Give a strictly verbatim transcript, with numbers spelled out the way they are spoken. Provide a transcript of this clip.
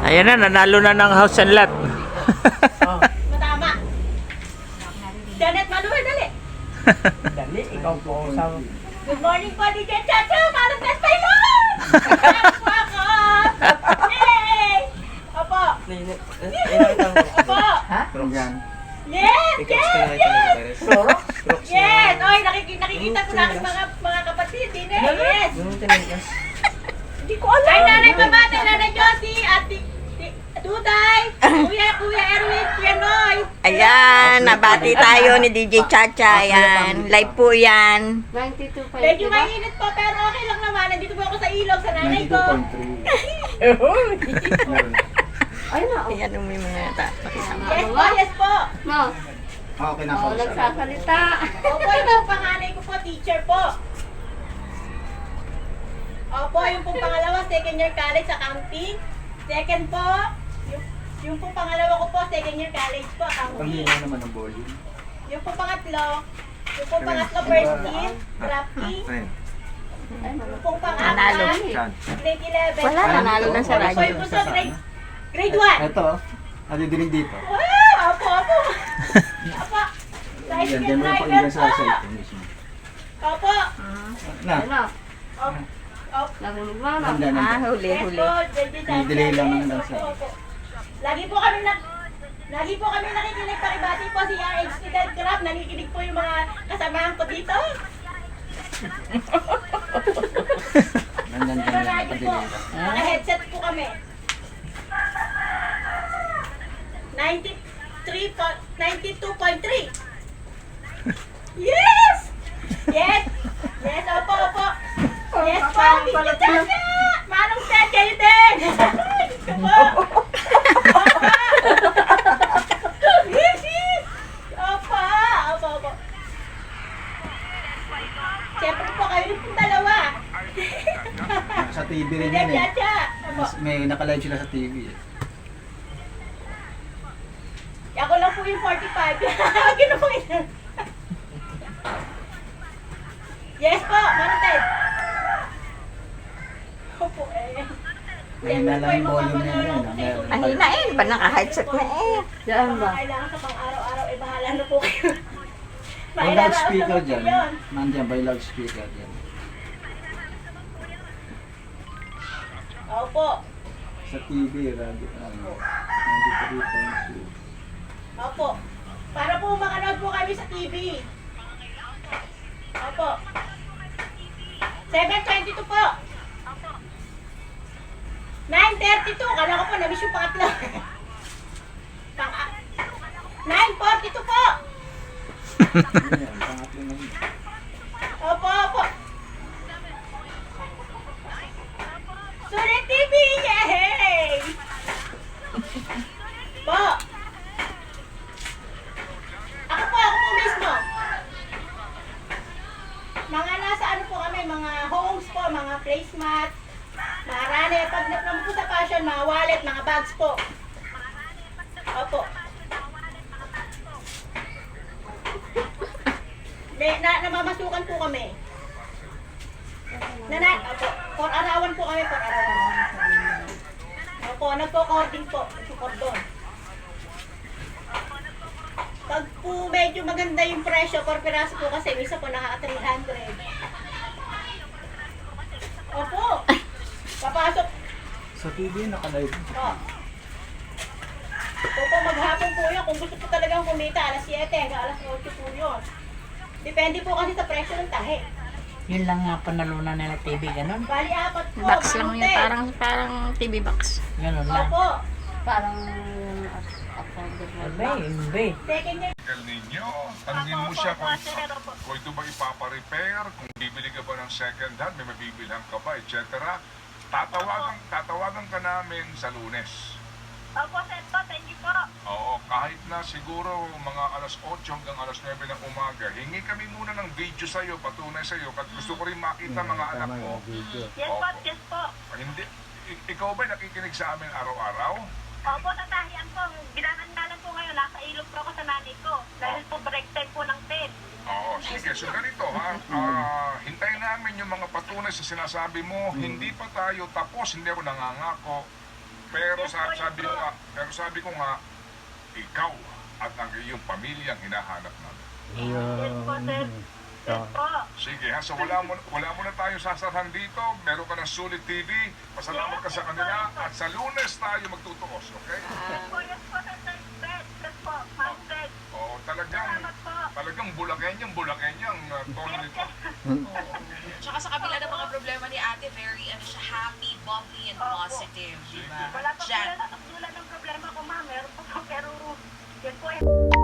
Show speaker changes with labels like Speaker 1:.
Speaker 1: Ayan na, nanalo na ng house and lot.
Speaker 2: Oh.
Speaker 3: Matama. Janet Manuel, dali.
Speaker 2: Dali, ikaw po sa...
Speaker 3: Good morning po, D J Chacha. Parang test tayo nun. Ako ako. Yay! Opo. Opo.
Speaker 2: Ha?
Speaker 4: Yan.
Speaker 3: Yes, yes, yes.
Speaker 2: Floro?
Speaker 3: Yes. Oy, nakikita, nakikita ko na ang mga, mga kapatid. Din eh. Yes.
Speaker 2: Hindi ko alam.
Speaker 3: Ay, nanay pamate, nanay Josie, ati, ti- Duday, kuya, kuya Erwin, kuya Noy.
Speaker 5: Ayan, nabati tayo ni D J Chacha. Ayan, live po yan.
Speaker 6: ninety-two point
Speaker 3: Medyo mainit po, pero okay lang naman. Nandito po ako sa ilog, sa nanay
Speaker 4: ninety-two
Speaker 3: ko.
Speaker 4: point three. Meron.
Speaker 6: Ay na, oh.
Speaker 5: Ayan, umi mga ta.
Speaker 3: Yes po, yes po.
Speaker 6: No.
Speaker 4: Ah, okay na
Speaker 6: Oh,
Speaker 4: ako.
Speaker 6: nagsasalita.
Speaker 3: Opo, yung pong panganay ko po, teacher po. Opo, yung pong pangalawa, second year college accounting. Second po, yung, yung pong pangalawa ko po, second year college po, accounting.
Speaker 4: Pangina naman ang volume.
Speaker 3: Yung pong pangatlo, yung pong pangatlo, first year, drafting.
Speaker 4: Friend.
Speaker 3: Yung pong
Speaker 5: Nanalo.
Speaker 3: pangapat,
Speaker 4: Saan?
Speaker 3: grade eleven.
Speaker 5: Wala, nanalo na sa
Speaker 3: Opo,
Speaker 5: radyo.
Speaker 3: yung bunso, grade, grade one.
Speaker 4: Ito, nadidinig dito.
Speaker 3: Wow, opo, opo. Opo,
Speaker 4: Yan,
Speaker 3: tricycle
Speaker 4: dyan mo yung
Speaker 3: driver
Speaker 4: pakinggan sa
Speaker 3: po.
Speaker 4: cellphone mismo.
Speaker 3: Opo.
Speaker 4: Na,
Speaker 6: Ano?
Speaker 3: Opo. Opo.
Speaker 6: Narinig mo, no?
Speaker 4: handa na.
Speaker 5: Ah, huli,
Speaker 3: Yes
Speaker 5: huli.
Speaker 3: po, J J Sanchez.
Speaker 4: delay lang
Speaker 3: Yes,
Speaker 4: ng
Speaker 3: opo,
Speaker 4: dansa.
Speaker 3: opo. Lagi po kami na Lagi po kami nakikinig, pakibati po si R H Student Club. Nakikinig po yung mga kasamahan ko dito.
Speaker 4: Nandyan
Speaker 3: Sa
Speaker 4: dyan,
Speaker 3: radyo po.
Speaker 4: nakadelay.
Speaker 3: Naka-headset po kami. ninety-three po, ninety-two point three. Yes! Yes! Yes, opo, opo. Yes po, Tito Chacha! Manong Ted, kayo din! Ito po. Opo! Yes, yes! Opo, opo, opo. Siyempre po kayo rin pong dalawa.
Speaker 4: Sa T V rin
Speaker 3: Tito
Speaker 4: yan eh.
Speaker 3: Chacha! Opo.
Speaker 4: Mas- May nakalive sila sa T V eh.
Speaker 3: Ako lang po yung forty-five. Gano'n po yun. Yes po, Manong Ted. Opo eh.
Speaker 4: Mahina lang yung volume na yun. ah. Meron.
Speaker 5: Mahina eh, ba naka-headset na eh.
Speaker 6: Diyan ba?
Speaker 3: Kailangan sa pang-araw-araw, eh bahala na po kayo.
Speaker 4: May
Speaker 3: Mahina na
Speaker 4: loudspeaker
Speaker 3: ako sa
Speaker 4: dyan.
Speaker 3: yun.
Speaker 4: Nandyan, may loudspeaker dyan.
Speaker 3: Opo.
Speaker 4: Sa T V, radio, ano, ninety-three point two.
Speaker 3: Opo. Para po makanood po kami sa T V. Opo. seven twenty-two po. nine thirty-two. Kala ko po, na-miss yung pangatlo. Pang nine forty-two po.
Speaker 4: Ayan, pangatlo na yun.
Speaker 3: Opo, opo. Sulit T V! Yay! Po. Ako po, ako po mismo. Mga nasa ano po kami, mga homes po, mga placemat, mga runner, pag naman po sa fashion, mga wallet, mga bags po. Opo. May, na, namamasukan po kami. Nana, opo, for arawan po kami, for arawan. Opo, nagko-cording po, nagko-cordon. Pag po medyo maganda yung presyo, per piraso po kasi, misa po nakaka three hundred. Opo, papasok
Speaker 4: Sa T V, nakalive.
Speaker 3: po. Opo, maghapon po yun. Kung gusto po talagang kumita, alas siyete hanggang alas otso po yun. Depende po kasi sa presyo ng tahe.
Speaker 2: Yun lang nga panalunan nila T V, ganun.
Speaker 3: Bali, apat po.
Speaker 5: Box lang
Speaker 3: Manong
Speaker 5: yun,
Speaker 3: Ted.
Speaker 5: parang, parang T V box.
Speaker 2: Ganun lang.
Speaker 3: Opo,
Speaker 6: Parang affordable
Speaker 2: Iba,
Speaker 6: ba?
Speaker 2: iba.
Speaker 3: second year.
Speaker 7: El Nino, tanungin mo siya kung, kung ito ba ipapa-repair, kung bibili ka ba ng second hand, may mabibilhan ka ba, et cetera. Tatawagan, tatawagan ka namin sa Lunes.
Speaker 3: Opo, sir po. Thank you po.
Speaker 7: Oo, kahit na siguro mga alas otso hanggang alas nuwebe ng umaga, hingi kami muna ng video sa'yo, patunay sa'yo, at gusto ko rin makita mga anak
Speaker 4: Tama
Speaker 7: mo.
Speaker 4: yung video.
Speaker 3: Yes po, yes po.
Speaker 7: Hindi, i- ikaw ba nakikinig sa amin araw-araw?
Speaker 3: Opo, sa tahian po. Ginanandalan po ngayon. Nasa ilog po ako sa nanay ko. Dahil po break time po ng Ted.
Speaker 7: Oo, sige. So ganito ha, Ah, hintayin namin yung mga patunay sa sinasabi mo. Hindi pa tayo tapos, hindi ako nangangako. Pero sabi, sabi ko nga, pero sabi ko nga, ikaw at ang iyong pamilyang hinahanap namin.
Speaker 3: Yes po, sir. Yes po.
Speaker 7: Sige ha, so wala mo, wala mo na tayong sasarhan dito. Meron ka ng Sulit T V. Pasalamat ka sa kanila. At sa Lunes tayo magtutuos, okay?
Speaker 3: Yes po, yes po, sir. Sir, Fred. Yes po, Ma'am Fred.
Speaker 7: Oo, talagang,
Speaker 3: Salamat po.
Speaker 7: talagang bulakenyang, bulakenyang uh, tono nito.
Speaker 8: Tsaka sa kabila ng mga problema ni ate, very ano siya, happy, bubbly, and positive, di ba?
Speaker 3: Wala pa po
Speaker 8: Jan.
Speaker 3: wala, wala ng problema ko, ma'am. Meron pa po, pero yan po eh.